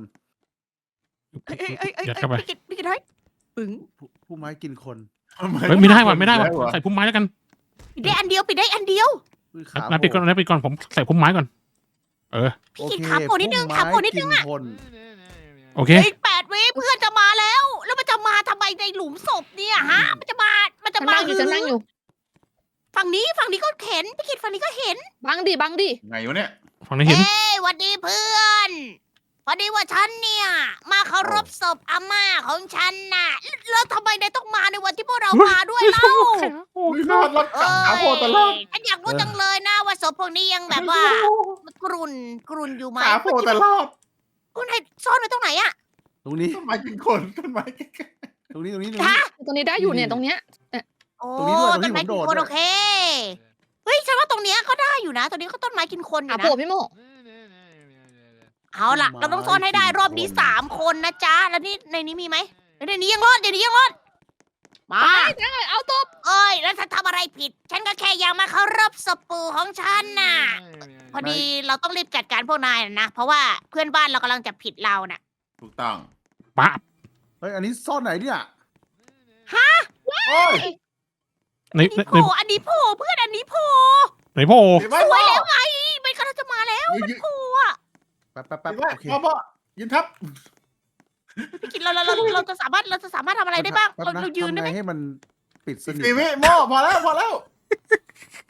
[SPEAKER 4] ยัดเข้าไป
[SPEAKER 1] พี่กินให้ปึ๋ง
[SPEAKER 3] ผู้ไม้กินคน
[SPEAKER 4] ไม่ได้ว่ะใส่พุ่มไม้แล้วกัน
[SPEAKER 1] ปิดได้อันเดียวปิดได้อันเดียว
[SPEAKER 4] นายปิดก่อนผมใส่พุ่มไม้ก่อน
[SPEAKER 1] พี่กินขาโผล่นิดนึงขาโผล่นิดนึงอะ
[SPEAKER 4] โอเค
[SPEAKER 1] อีก8 วิเพื่อนจะมาแล้ว แล้วมันจะมาทำไมในหลุมศพเนี่ยฮะ มันจะมา
[SPEAKER 2] ฉันนั่งอยู่ฉันนั่งอยู่
[SPEAKER 1] ฝั่งนี้ก็เห็นพี่กิดฝั่งนี้ก็เห็น
[SPEAKER 2] บังดิ
[SPEAKER 5] ไงวะเนี่ย
[SPEAKER 4] ฝั่งนี้เห็น
[SPEAKER 1] เอ้ยหวัดดีเพื่อน พอดีว่าฉันเนี่ย มาเคารพศพอาม่าของฉันน่ะ แล้วทำไมนายต้องมาในวันที่พวกเรามาด้วยเล่า
[SPEAKER 5] อุ้ยรอดขาโผล่ตลอด
[SPEAKER 1] ฉันอยากรู้จังเลยนะว่าศพพวกนี้ยังแบบว่า กรุนอยู่ไหม
[SPEAKER 5] ขาโผล่ตลอด
[SPEAKER 1] คุณนายซ่อนไว้ตรงไหนอะ
[SPEAKER 3] ตรงนี้
[SPEAKER 5] ต้นไม้กินคนต้นไม้กินคน
[SPEAKER 3] ตรงนี้
[SPEAKER 1] ฮะ
[SPEAKER 2] ตรงนี้ได้อยู่เนี่ยตรงเนี้ย
[SPEAKER 1] โอ้
[SPEAKER 3] ตรงนี้ด้วย
[SPEAKER 1] ต้นไม้
[SPEAKER 3] ตรงนี้ผมโดด
[SPEAKER 1] กินคน
[SPEAKER 3] ด้วย
[SPEAKER 1] โอเค เฮ้ยฉันว่าตรงเนี้ยก็ได้อยู่นะ ตรงนี้ก็ต้นไม้กินคนอยู่
[SPEAKER 2] อ่ะ
[SPEAKER 1] นะ
[SPEAKER 2] โผล่พี่โม
[SPEAKER 1] เอาล่ะ เราต้องซ่อนให้ได้รอบนี้3 คนนะจ๊ะ แล้วนี่ในนี้มีไหมในนี้ยังรอดมา
[SPEAKER 2] เอาตบ
[SPEAKER 1] เอ้ย แล้วฉันทำอะไรผิด ฉันก็แค่อยากมาเคารพศพปู่ของฉันน่ะ พอดีเราต้องรีบจัดการพวกนายนะ เพราะว่าเพื่อนบ้านเรากำลังจะผิดเราน่ะ
[SPEAKER 5] ถูกต้อง
[SPEAKER 4] ปั๊บ
[SPEAKER 3] เฮ้ยอันนี้ซ่อนไหนเนี่ย
[SPEAKER 5] โอ้ย
[SPEAKER 4] ใน
[SPEAKER 1] อันนี้โผล่เพื่อนอันนี้โผล่
[SPEAKER 4] ไหนพ่อ
[SPEAKER 5] ถือไว้
[SPEAKER 1] ส
[SPEAKER 5] พ่
[SPEAKER 1] ว
[SPEAKER 5] อย
[SPEAKER 1] แล้วไงมันกำลังจะมาแล้วโผล่อะ
[SPEAKER 3] แป๊บ
[SPEAKER 5] ถือไว้
[SPEAKER 3] โอเค
[SPEAKER 5] พ่อยืนทับ
[SPEAKER 1] พี่กินเราจะสามารถทำอะไรได้บ้าง
[SPEAKER 3] แป๊บ
[SPEAKER 1] เรายืนได้ไหม
[SPEAKER 3] ทำไงให้มันปิดสนิท
[SPEAKER 5] 4 วิโม่พอแล้ว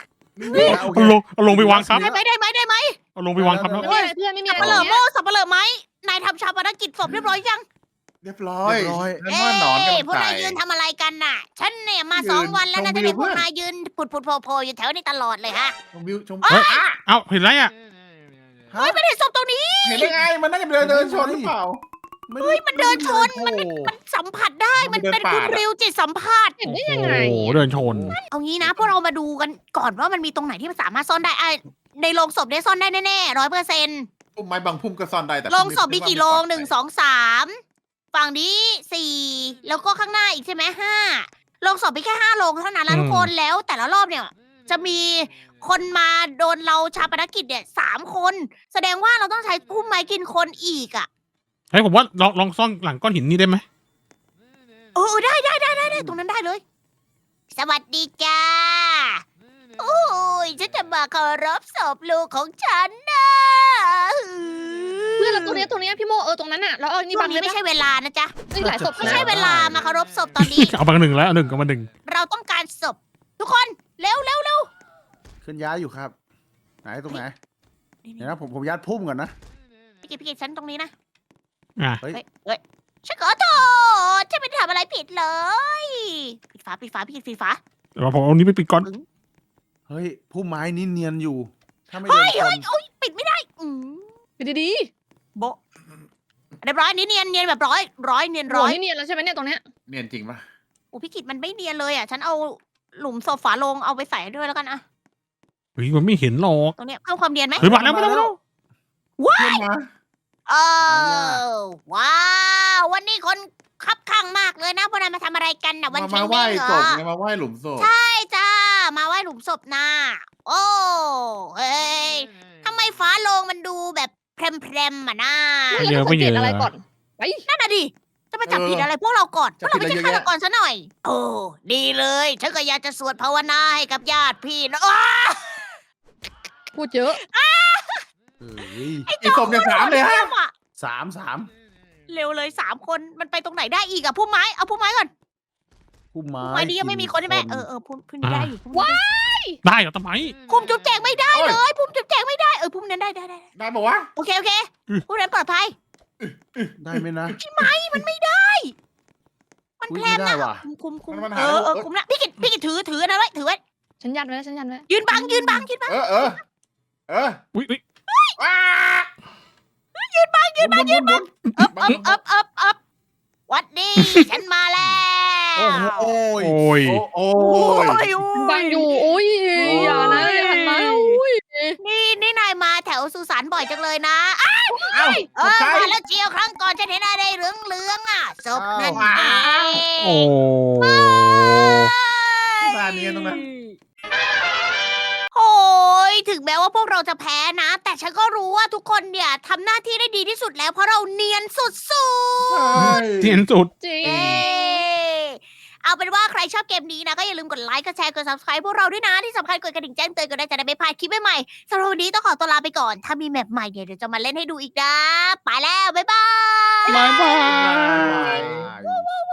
[SPEAKER 3] โอเค
[SPEAKER 4] เอาลงไปวางทับ
[SPEAKER 1] ได้ไหมได้ไหม
[SPEAKER 4] เอาลงไปวางทับแล้ว
[SPEAKER 2] ไม่มีอะไรเพื่อนไม่มี
[SPEAKER 1] สั
[SPEAKER 2] อะ
[SPEAKER 1] บ
[SPEAKER 2] ไร
[SPEAKER 1] เปลือ
[SPEAKER 2] ตรง
[SPEAKER 1] โม่
[SPEAKER 2] เนี้ย
[SPEAKER 1] สับเปลือไหมนายทำชาปนกิจศพเรียบร้อยยัง
[SPEAKER 5] เรียบร้อย
[SPEAKER 3] เรียบร้อย
[SPEAKER 5] ฉันว่าหนอนกำลัง
[SPEAKER 1] พวก
[SPEAKER 5] ไต่
[SPEAKER 1] นายยืนทำอะไรกันน่ะ ฉันเนี่ยมา
[SPEAKER 5] ยืน
[SPEAKER 1] 2 วันแล้วนะ
[SPEAKER 5] ชม
[SPEAKER 1] จะ
[SPEAKER 5] วิว
[SPEAKER 1] เห็นพวก
[SPEAKER 5] เพื่อน
[SPEAKER 1] นายยืนผุดโผล่อยู่แถวนี้ตลอดเลยฮะ
[SPEAKER 5] ชมวิวชม
[SPEAKER 1] เอ้ย
[SPEAKER 4] เอ้าเห็นไรอ่ะ
[SPEAKER 3] ฮะ
[SPEAKER 1] ไม่ได้ศพตรงนี้
[SPEAKER 5] เห็นได้ไง มันน่าจะเดินชนหรือเปล่า
[SPEAKER 3] เฮ้ย
[SPEAKER 1] มันเดินชน มันสัมผัสได้มันเป็นคุณริวจิตสัมผัส
[SPEAKER 2] เห็นได้ยังไง
[SPEAKER 4] โอ้โหเดินชน
[SPEAKER 1] เอางี้นะพวกเรามาดูกันก่อนว่ามันมีตรงไหนที่มันสามารถซ่อนได้ในโรงศพได้ซ่อนได้แน่ๆ100%
[SPEAKER 5] พุ่มไม้บางพุ่มก็ซ่อนได้แต่
[SPEAKER 1] โรงศพมี
[SPEAKER 5] พุ่
[SPEAKER 1] กี่
[SPEAKER 5] ไ
[SPEAKER 1] โรง
[SPEAKER 5] ปลอดภัย
[SPEAKER 1] 1 2 3ฝั่งนี้4แล้วก็ข้างหน้าอีกใช่ไหม5โรงศพมีแค่5 โรงเท่านั้นแล้วทุกคนแล้วแต่ละรอบเนี่ย จะมีคนมาโดนเราชาปนกิจเนี่ย3 คน แสดงว่าเราต้องใช้พุ่มไม้กินคนอีกอ่ะ
[SPEAKER 4] เฮ้ยผมว่าลองซ่อนหลังก้อนหินนี่ได้ไหม
[SPEAKER 1] ได้ตรงนั้นได้เลย สวัสดีจ้าโอ้ยฉันจะมาเคารพศพลูกของฉันนะ
[SPEAKER 2] เพื่อนเราตรงเนี้ยพี่โมตรงนั้นน่ะแล้วเอานี่
[SPEAKER 1] ช่ว
[SPEAKER 2] บั
[SPEAKER 1] ง
[SPEAKER 2] ง
[SPEAKER 1] นี้
[SPEAKER 2] เลย
[SPEAKER 1] ไม่
[SPEAKER 2] ปะ
[SPEAKER 1] ใช่เวลานะจ๊ะ
[SPEAKER 2] เฮ้ยหลายศพ
[SPEAKER 1] ไม่ใช่เวลามาเคารพศพตอนนี้
[SPEAKER 4] เอาบางหนึ่งแล้วเอาหนึ่งกับมาหนึ่ง
[SPEAKER 1] เราต้องการศพทุกคนเร็ว
[SPEAKER 3] เคลื่อนย้ายอยู่ครับ ไหนตรงไหนเดี๋ยวนะผมยัดพุ่มก่อนนะ
[SPEAKER 1] พี่กิตฉันตรงนี้นะ
[SPEAKER 4] อ่ะ
[SPEAKER 1] เฮ้ยฉันขอโทษฉันไม่ได้ทำอะไรผิดเลย ปิดฝาพี่กิตปิดฝา
[SPEAKER 4] เดี๋ยวผมเอานี้ไปปิดก่อน
[SPEAKER 3] เฮ้ยพุ่มไม้นี่เนียนอยู่ ถ้าไม่โด
[SPEAKER 1] เฮ้
[SPEAKER 3] น
[SPEAKER 1] ย
[SPEAKER 3] คน
[SPEAKER 1] โอ้ยปิดไม่ได้
[SPEAKER 2] ไปดี
[SPEAKER 1] โบะเรียบร้อยนี่เนียนแบบร้อยเนียน
[SPEAKER 2] ๆ
[SPEAKER 1] ร้อย
[SPEAKER 2] นี่เนียนแล้วใช่ไหมเนี่ยตรงเนี้ย
[SPEAKER 5] เนียนจริงปะ
[SPEAKER 1] โอ้พี่กิตมันไม่เนียนเลยอ่ะฉันเอาหลุมศพฝาโลงเอาไปใส่ด้วยแล้วกันอะ
[SPEAKER 4] เฮ้ยมันไม่เห็นหรอก
[SPEAKER 1] ตรงเนี้ยเพิ่มความเนียนไหม
[SPEAKER 4] เฮ้ยมาแล้ว
[SPEAKER 5] เพื่อนมา
[SPEAKER 1] เออว้าว วันนี้คนคับข้างมากเลยนะพวกนายมาทำอะไรกันนะวัน
[SPEAKER 5] มา
[SPEAKER 1] เชน
[SPEAKER 5] ไหว้
[SPEAKER 1] เด้งเหร
[SPEAKER 5] ศ
[SPEAKER 1] อ
[SPEAKER 5] พไงมาไหว้หลุมศพ
[SPEAKER 1] ใช่จ้า มาไหว้หลุมศพนะโอ้เฮ้ยทำไมฝาโลงมันดูแบบแพรมๆอ่ะนะ
[SPEAKER 2] ไม่เราต้องสังเกตอะไรก่อนไป
[SPEAKER 1] นั่นน่ะดิ จะมาจับผิดอะไรพวกเราก่อนพวกเราไม่ใช่ฆาตกรซะหน่อย โอ้ดีเลย ฉันก็อยากจะสวดภาวนาให้กับญาติพี่นะอ้า
[SPEAKER 2] พูดเยอะ
[SPEAKER 3] เฮ้ย
[SPEAKER 5] ไอ้ศพเนี่ย3เลยฮะ
[SPEAKER 1] อะ
[SPEAKER 3] สาม
[SPEAKER 1] เร็วเลย3 คนมันไปตรงไหนได้อีกอะพุ่มไม้เอาพุ่มไม้ก่อน
[SPEAKER 3] พุ่มไม้
[SPEAKER 1] พุ่มไม้นี้ยังไม่มีคนใช่ไหมพุ่มนี้ได้อยู่พุ่มนี้
[SPEAKER 4] ได้เหรอทำไม
[SPEAKER 1] พุ่มจุ๊บแจงไม่ได้เลยพุ่มจุ๊บแจงไม่ได้พุ่มนั้นได้
[SPEAKER 5] ได้บอกว่า
[SPEAKER 1] โอเคพุ่มนั้นปลอดภัย
[SPEAKER 3] ได้ไหมนะ
[SPEAKER 1] มันไม่ได้ มัน
[SPEAKER 3] อุ๊ย
[SPEAKER 1] แพรม
[SPEAKER 3] ไม่ได้
[SPEAKER 1] นะ
[SPEAKER 3] ว่ะ
[SPEAKER 1] คุม
[SPEAKER 5] มันหา
[SPEAKER 1] คุมนะพี่กิตถือนะไว้ถือไว้
[SPEAKER 2] ฉันยันไว้แล้วฉันยันไว้
[SPEAKER 1] ยืนบัง
[SPEAKER 5] เออ
[SPEAKER 4] อุ้ย
[SPEAKER 5] ว้า
[SPEAKER 1] ยืนบัง
[SPEAKER 5] ยืนบัง
[SPEAKER 1] อัพวัดดีฉันมาแล้ว
[SPEAKER 3] โอ้โห
[SPEAKER 4] โอ้ย
[SPEAKER 5] โอ้ย
[SPEAKER 2] บังอยู่อุ้ยอย่านะอย่าหันมาอุ้ย
[SPEAKER 1] นี่นายมาแถวสุสานบ่อยจังเลยนะ
[SPEAKER 5] เอ้า
[SPEAKER 1] มาแล้วเจียวครั้งก่อนฉันเห็นอะไรเหลืองอ่ะศพนั่นเอง
[SPEAKER 4] โอ้
[SPEAKER 5] ตาเนียนตรงนั้น
[SPEAKER 1] โอ้ยถึงแม้ว่าพวกเราจะแพ้นะ แต่ฉันก็รู้ว่าทุกคนเนี่ยทำหน้าที่ได้ดีที่สุดแล้วเพราะเราเนียนสุด
[SPEAKER 4] เทียนสุด
[SPEAKER 2] จริง
[SPEAKER 1] ๆเย้เอาเป็นว่าใครชอบเกมนี้นะก็อย่าลืมกดไลค์กดแชร์กด subscribe พวกเราด้วยนะที่สำคัญกดกระดิ่งแจ้งเตือนกันได้จะได้ไม่พลาดคลิปใหม่ๆสำหรับวันนี้ต้องขอตัวลาไปก่อน ถ้ามีแมปใหม่เดี๋ยวจะมาเล่นให้ดูอีกนะไปแล้วบ๊ายบาย
[SPEAKER 4] บายบา
[SPEAKER 5] บาย ย